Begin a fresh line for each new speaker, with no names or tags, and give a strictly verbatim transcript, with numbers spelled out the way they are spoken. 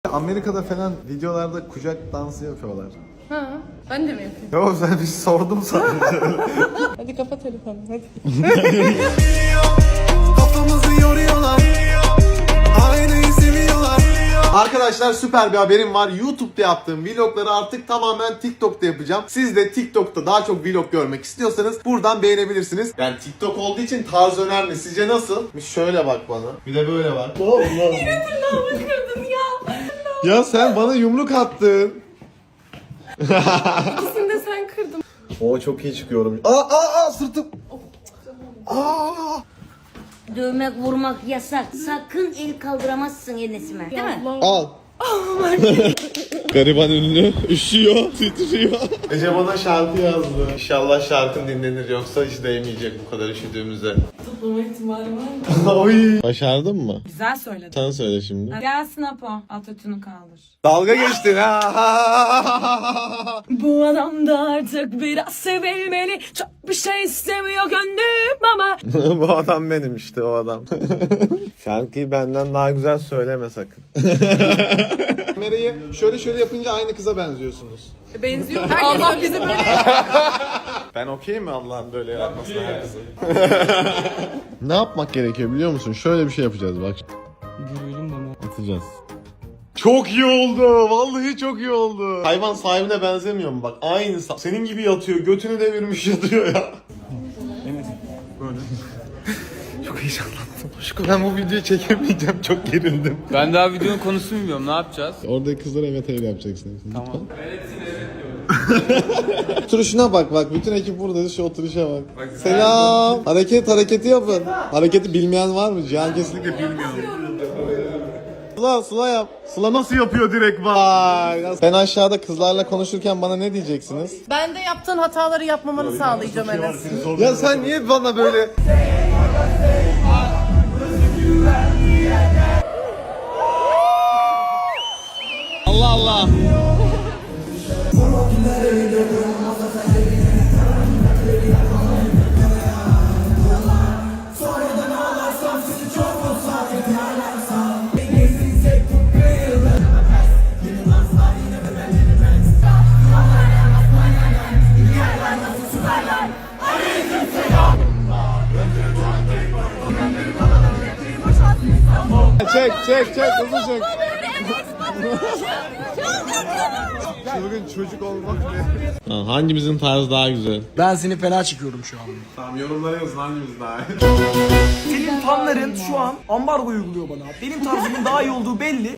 Amerika'da falan videolarda kucak dansı yapıyorlar.
Ha, ben de mi yapayım?
Yok sen bir sordum sadece.
Hadi kapat telefonu hadi.
Kafamızı yoruyorlar. Aynayı seviyorlar. Arkadaşlar süper bir haberim var. YouTube'da yaptığım vlogları artık tamamen TikTok'ta yapacağım. Siz de TikTok'ta daha çok vlog görmek istiyorsanız buradan beğenebilirsiniz. Yani TikTok olduğu için tarz önemli. Sizce nasıl? Bir şöyle bak bana. Bir de böyle bak.
Yine tırnağımı kırdın ya.
Ya sen bana yumruk attın.
İkisini de sen kırdın.
Oo çok iyi çıkıyorum. Aa aa aa sırtım. Aa.
Dövmek, vurmak yasak. Sakın el kaldıramazsın Enes'ime. Değil mi?
Al. Gariban ünlü üşüyor, titriyor. Ece bana şarkı yazdı. İnşallah şarkım dinlenir yoksa hiç değmeyecek bu kadar üşüdüğümüzde.
Toplama ihtimali var mı?
Oy. Başardın mı?
Güzel söyledin.
Sen söyle şimdi.
Gelsin Apo. Atatürk'ünü kaldır.
Dalga geçtin ha.
Bu adam da artık biraz sevilmeli. Çok bir şey istemiyor gönlüm ama.
Bu adam benim işte o adam. Şarkıyı benden daha güzel söyleme sakın. Kamerayı şöyle şöyle yapınca aynı kıza benziyorsunuz.
Benziyor. Allah bizi böyle.
Ben okey mi Allah'ın böyle yaratmasına herkese? Ne yapmak gerekiyor biliyor musun? Şöyle bir şey yapacağız bak.
Görüyorum bana.
Atacağız. Çok iyi oldu. Vallahi çok iyi oldu. Hayvan sahibine benzemiyor mu? Bak aynı. Senin gibi yatıyor. Götünü devirmiş yatıyor ya.
Evet. Böyle.
Çok heyecanlandım. Aşkım ben bu videoyu çekemeyeceğim. Çok gerildim.
Ben daha videonun konusunu bilmiyorum. Ne yapacağız?
Oradaki kızlara evet hayır yapacaksın.
Tamam.
Oturuşuna bak bak. Bütün ekip burada. Şu oturuşa bak. Selam. Hareket hareketi yapın. Hareketi bilmeyen var mı? Cihan kesinlikle bilmiyor. Sıla Sıla yap. Sıla nasıl yapıyor direkt vay. Ben aşağıda kızlarla konuşurken bana ne diyeceksiniz?
Ben de yaptığın hataları yapmamanı sağlayacağım Enes.
Ya sen niye bana böyle... Allah Allah. Çek çek çek hızlı çek. Çılgın çocuk olmak ne? Hangimizin tarzı daha güzel?
Ben seni fena çıkıyorum şu an.
Tamam yorumlara yazın hangimiz daha iyi.
Senin fanların şu an ambargo uyguluyor bana. Benim tarzımın daha iyi olduğu belli.